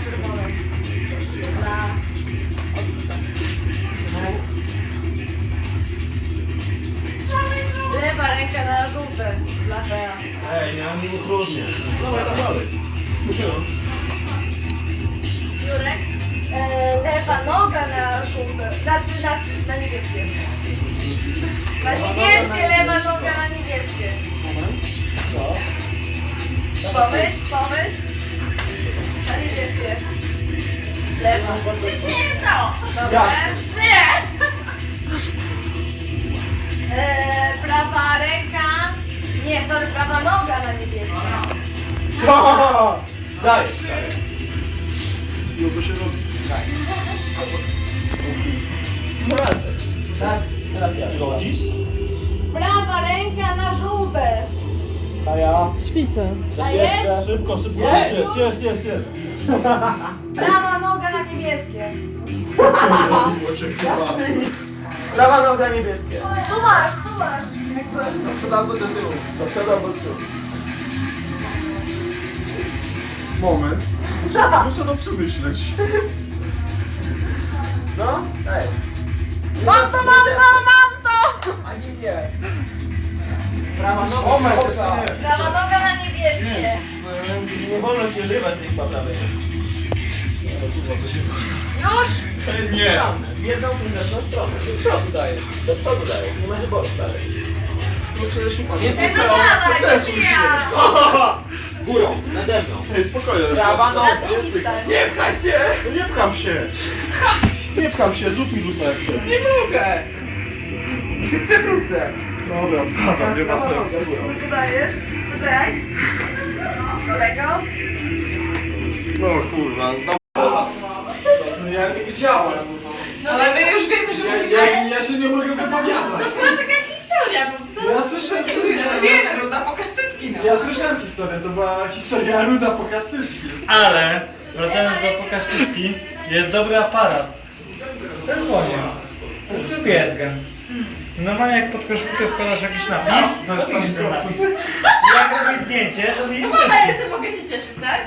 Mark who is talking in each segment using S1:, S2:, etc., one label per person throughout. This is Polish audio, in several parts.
S1: czerwone. Dla odrzuta. Lewa ręka na żółte. Dla Bea.
S2: Ej, nie utrudnię. Dawaj, dalej.
S1: Jurek. Lewa noga na żółte. Znaczy na niebieskie. Na niebieskie, lewa noga na niebieskie. Pomyśl. Na niebieskie. Lewa. No. Dobra. Nie. Prawa ręka. Nie, sorry, prawa noga na niebieskie.
S2: Co? Daj. No to się robi. Tak. Teraz ja. Godzisz?
S1: Prawa ręka na żółte.
S2: A ja.
S3: Ćwiczę.
S1: Dajesz?
S2: Szybko. Jest.
S1: Prawa noga na niebieskie.
S2: Prawa noga niebieskie.
S1: Tu masz. Jak coś.
S2: Sprzedam do tyłu. Sprzedam do tyłu. Moment. Muszę to przemyśleć. No? Ej.
S1: Mam to!
S2: Ani nie. Prawa noga. Moment, nie.
S1: Prawa noga na niebieskie.
S2: Nie wolno się rywać tych prawej.
S1: Już?
S2: Nie. Jedną inną stronę. Do przodu dajesz. Nie ma wyboru dalej. Nie
S1: Ej, no dawaj, ja.
S2: Górą, nade mną.
S4: Ej, spokojnie.
S2: Prawa noga.
S1: Na drugi stan.
S2: Nie pchaj się.
S4: No nie pcham się. Nie pcham się, zrób mi rzuta jak chcesz.
S2: Nie mogę. Przewrócę.
S4: Dobra, prawa, nie ma sensu.
S1: Co dajesz? Poczekaj. Kolego.
S4: No kurwa,
S2: No ja nie wiedziałem.
S1: No ale my już wiemy, że mówisz.
S2: Ja się nie mogę wypowiadać.
S1: To była taka historia, bo to...
S2: Ja słyszałem historię.
S1: Wiemy, Ruda, pokaż cycki, no.
S2: Ja słyszałem historię, to była historia Ruda Pokasztycki.
S5: Ale, wracając do Pokaszczycki, jest dobry aparat. Czerwonie. To Biedgen. Normalnie jak pod koszulkę wkładasz jakiś napis, to jest ten napis. I jak robisz zdjęcie, to widzisz
S1: Jestem, mogę się cieszyć, tak?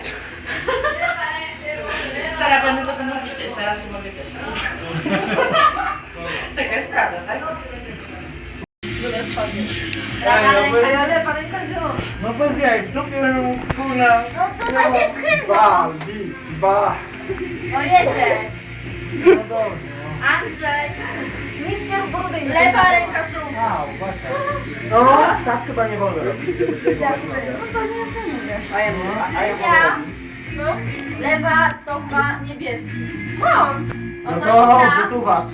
S1: Stara, będę piszeć, zaraz się mogę cieszyć. Taka jest prawda, tak? Dobra, spadniesz. Prawa ręka, ale lewa ręka zielona.
S5: No bez jak, dupie kurna.
S1: No to na się chyba. O jeden.
S5: No dobrze.
S1: Andrzej. Nic nie rób brudy. Lewa ręka żółta.
S5: No, tak chyba nie wolno robić.
S1: No to nie mówię. Ja. No. Lewa stopa niebieski. Mam.
S5: No to wysuwasz.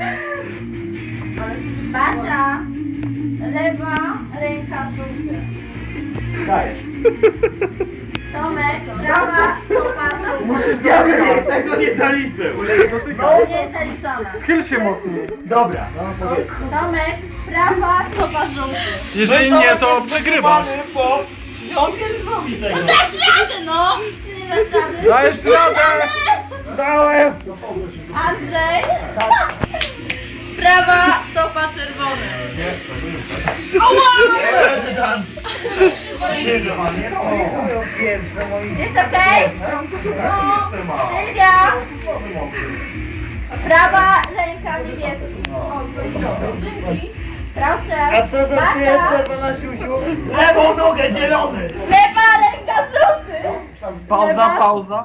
S1: Basia. Lewa ręka żółta.
S5: Dajesz.
S1: Tomek. Prawa stopa żółta.
S5: Ja bym tego nie zaliczył.
S1: To nie jest zaliczone.
S5: Schyl się mocniej. Dobra, no powiedz.
S1: Tomek. Prawa stopa żółta.
S2: Jeżeli nie, to przegrywasz.
S5: Bo on nie zrobi tego.
S1: Dasz radę, no! Nie dasz rady.
S5: Dajesz radę! Dałem!
S1: Andrzej! Prawa stopa czerwona. Jest okej? No. Sylwia! Prawa ręka niebieska. O, to jest dobre. Dzięki. Proszę.
S5: A co za
S1: Basia.
S5: czerwona siusiu? Lewą nogę zielony!
S1: Lewa ręka żółty.
S5: Pauza.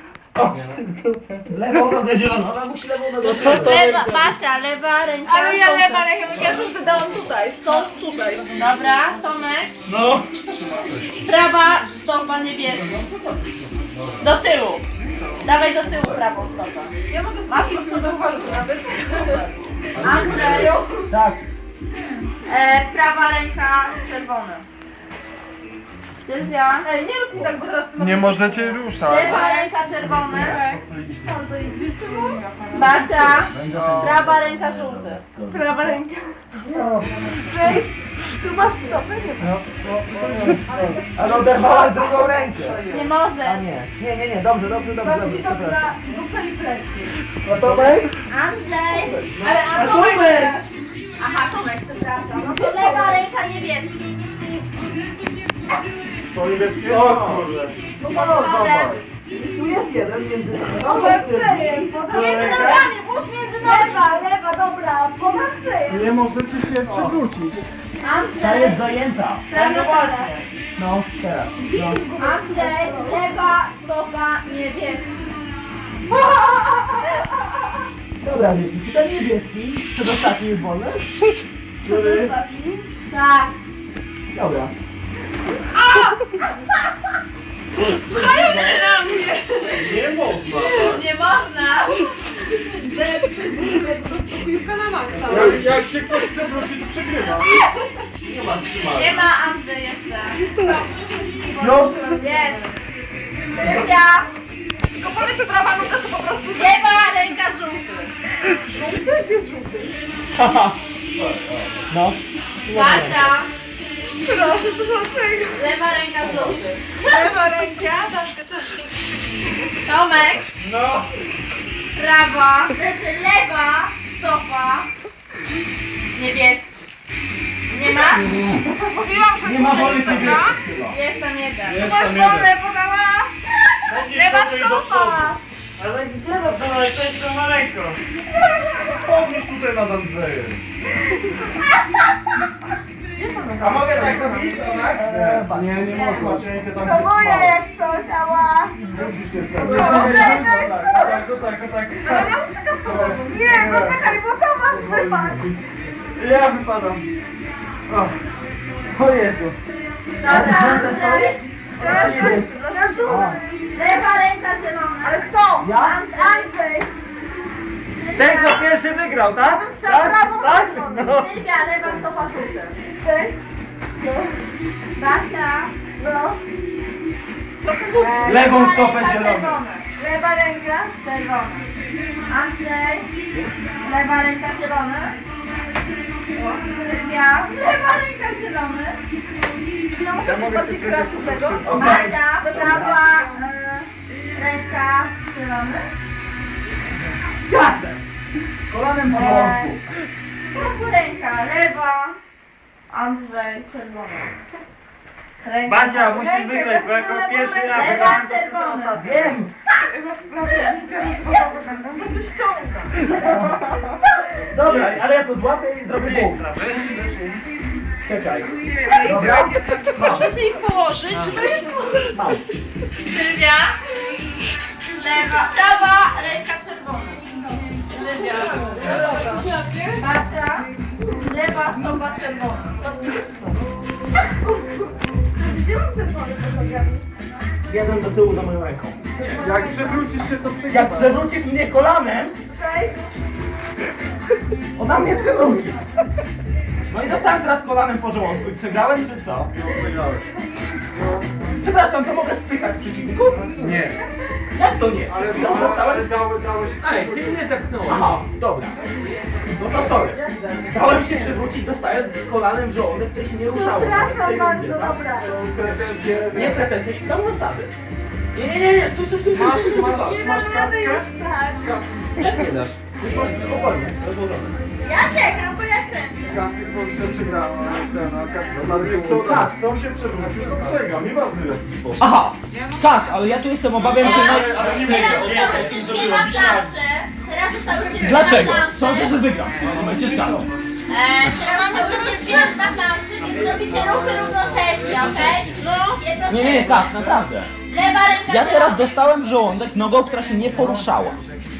S5: Lewą nogę zieloną, ona musi lewą nogę zieloną.
S1: Lewa, Basia, lewa ręka
S6: Ale ja
S1: żółta.
S6: lewa rękę, ja żółty dałam tutaj, stąd tutaj.
S1: Dobra, Tomek.
S5: No.
S1: Prawa stopa niebieska. Do tyłu. Dawaj do tyłu prawą stopę.
S6: Ja mogę zrobić to do walki nawet.
S1: Andrzej.
S5: Tak.
S1: Prawa ręka czerwona. Sylwia.
S6: Ej, nie rób mi tak, bo teraz...
S5: Nie możecie ruszać.
S1: Lewa ręka czerwona. Basia. Prawa ręka żółty.
S6: Prawa ręka. Ej, tu masz stopę, nie masz.
S5: Ale oderwałaś drugą rękę.
S1: Nie może.
S5: Nie, dobrze.
S6: Mam widok na dupę i plecy.
S5: No to weź.
S1: Andrzej.
S6: Ale
S5: A
S6: Tomek
S5: Tomek!
S6: teraz.
S1: Aha, Tomek, przepraszam. No to lewa ręka niebieska.
S4: To niebieskie?
S5: O kurde.
S1: No to razem.
S2: Tu jest jeden między nami.
S6: Między nogami, włóż między nogami. Lewa, dobra, ponad szyję.
S4: Nie możecie się przewrócić.
S2: Ta jest zajęta.
S1: No właśnie.
S2: No, teraz. No.
S1: Andrzej, lewa stopa niebieska.
S2: Dobra, wiecie, czy ten niebieski przedostatni jest wolny?
S1: Tak.
S2: Dobra.
S4: Nie można, tak?
S1: Nie można.
S4: Jak się ktoś przewróci, to przegrywa. Nie ma trzymania.
S1: Nie ma Andrzej jeszcze.
S2: No.
S1: Jest. Sylwia.
S6: Tylko powiedz, że prawa noga to po prostu...
S1: Lewa ręka żółty.
S2: Haha. No.
S1: Basia.
S6: Proszę, coś łatwego.
S1: Lewa ręka żółty.
S6: Lewa ręka.
S1: Tomek.
S5: No.
S1: Prawa. Znaczy lewa stopa niebieska. Nie masz?
S6: Mówiłam, że
S2: Nie ma woli
S6: jest taka.
S2: niebieskich chyba.
S1: Jest tam jeden.
S4: Jest tam jeden.
S6: podała.
S4: Podnieś
S6: Lewa
S4: nogę i do przodu.
S6: stopa.
S5: Ale gdzie no to ale to jest maleńko.
S4: Podnieś tutaj nad Andrzejem.
S5: A mogę tak robić? Tak?
S4: Nie, nie można. Cienkę tam
S6: To moje jak coś, ała.
S4: Musisz się
S6: Ale nie ucieka z tobą. Nie, no czekaj, bo to masz wypad.
S5: Ja wypadam. O Jezu.
S1: Dobra, Andrzej.
S6: Teraz na żółty.
S1: Lewa ręka zielona.
S6: Ale kto?
S2: Ja?
S6: Andrzej.
S5: Ten kto pierwszy wygrał, tak?
S6: Chciał prawą
S5: Tak?
S6: stronę.
S5: No.
S1: Sylwia, lewa stopa żółty.
S6: Cześć.
S1: Basia.
S6: No.
S5: Lewą
S1: lewa
S5: stopę
S1: ręka
S5: zielony.
S1: czerwony.
S6: Lewa ręka.
S1: Czerwony. Andrzej. Lewa ręka zielony. Sylwia. Lewa ręka zielony.
S6: Czy ja mogę być bardziej kreatywnego?
S5: Okej.
S1: Basia. Prawa ręka zielony.
S2: Jasne. Kolanem po żołądku.
S1: Prawa ręka lewa. Andrzej czerwony. Ręka
S5: Basia, musisz wygrać, bo jako pierwszy raz
S1: lewa
S5: wygrałem to
S1: czerwony.
S2: Wiem. Dobra, ale ja to złapię i zrobię punkt. Czekaj. Dobra.
S6: Możecie ich położyć, czy to jest...
S2: Mam.
S1: Sylwia. Lewa, prawa ręka czerwona. Sylwia. Basia. Lewa stopa czerwona.
S6: Gdzie mam czerwony fotografię?
S2: Jeden do tyłu za moją ręką.
S4: Jak przewrócisz się, to
S2: Jak
S4: przegrywasz.
S2: przewrócisz mnie kolanem,
S6: Tutaj.
S2: ona mnie przewróci. No i dostałem teraz kolanem po żołądku i przegrałem czy co?
S4: No, przegrałeś.
S2: Przepraszam, to mogę spychać przeciwników?
S4: Nie.
S2: Jak to nie?
S4: Ale
S2: No, dostałem...
S4: dałeś...
S2: Ale ty mnie zepchnąłeś. Aha, dobra. No to sorry. Dałem się przewrócić, dostałem kolanem w żołądek, które się nie ruszało.
S6: Przepraszam
S2: W tej
S6: bardzo,
S2: rundzie, tak?
S6: dobra.
S4: Pretensje...
S2: Nie pretensje, śpieram zasady. Nie, stój.
S6: Nie dam rady już, tak.
S2: Jak nie dasz? Już masz spokojnie, rozłożone.
S1: Ja czekam, bo ja kręcę.
S4: Kasty z Powiszem przegrała, a Kasty kto się przewrócił, to przegrał. Nieważne w jaki sposób.
S2: Aha, czas, ale ja tu jestem obawiam się
S4: Ale nie
S1: Teraz
S4: wygrał.
S1: zostałyście dwie na planszy. Teraz zostałyście dwie
S2: Dlaczego?
S1: na planszy.
S2: Sądzę, że wygram w tym momencie stanął.
S1: Teraz zostałyście dwie na planszy, więc robicie ruchy równocześnie, okej? No.
S2: Nie, Kas, naprawdę.
S1: Lewa ręka
S2: Ja
S1: zielona.
S2: teraz dostałem w żołądek nogą, która się nie poruszała.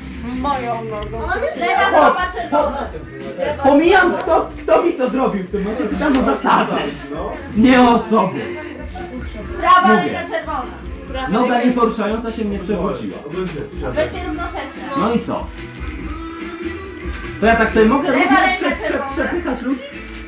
S1: Lewa stopa czerwona.
S2: Pomijam, kto mi to zrobił w tym momencie, pytam o zasady. Nie o sobie.
S1: Prawa
S2: Mówię.
S1: ręka czerwona.
S2: Noga nieporuszająca się mnie przewróciła.
S1: Obydwie równocześnie.
S2: No i co? To ja tak sobie mogę
S1: Lewa
S2: różnie
S1: ręka czerwona.
S2: przepychać ludzi?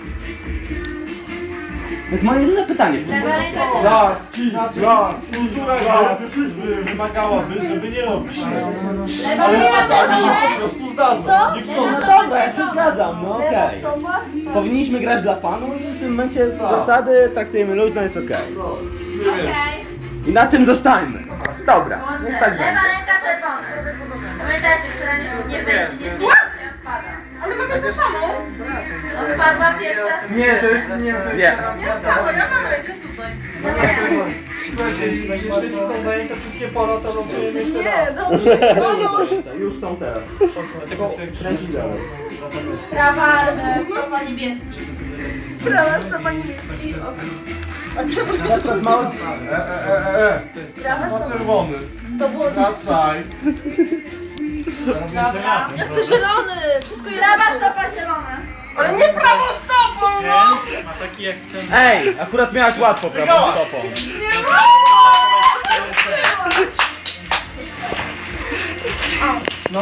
S2: To jest moje jedyne pytanie w tym
S1: Lewa
S2: momencie.
S1: ręka zielona.
S4: Kultura wymagałaby, żeby nie robić tego.
S1: Lewa
S4: Ale
S1: stopa
S4: czasami się po
S1: czerwona.
S4: prostu zdarza. Niechcący.
S2: Dobra, ja się zgadzam, no okej. Powinniśmy grać dla panu i w tym momencie zasady traktujemy luźno, jest okej.
S1: Okej.
S2: I na tym zostańmy. Dobra,
S1: Może.
S2: niech tak będzie.
S1: Lewa ręka czerwona. Pamiętajcie, która nie zmienia się odpada.
S6: ale mamy to samo.
S1: Odpadła pierwszy raz.
S4: Nie, to jeszcze nie, to
S2: Nie.
S4: jeszcze raz.
S6: Samo, ja mam rękę tutaj.
S4: Słuchajcie, jeśli są zajęte wszystkie pola, to losujemy jeszcze raz.
S6: Nie, dobrze. No już.
S2: Już są teraz.
S5: Dlatego
S2: Kręcić dalej.
S1: Prawa stopa niebieski.
S6: Prawa stopa niebieski. A przewróć mi to trzeba. Prawa
S3: Ma
S6: stopa.
S3: czerwony.
S6: To było...
S3: Wracaj.
S1: Dobra.
S6: Ja chcę zielony. Wszystko jedno.
S1: Prawa stopa zielona.
S6: Ale nie prawą stopą, no.
S5: ten ma taki jak ten...
S2: Ej, akurat miałaś łatwo prawą stopą.
S6: Nie mogę.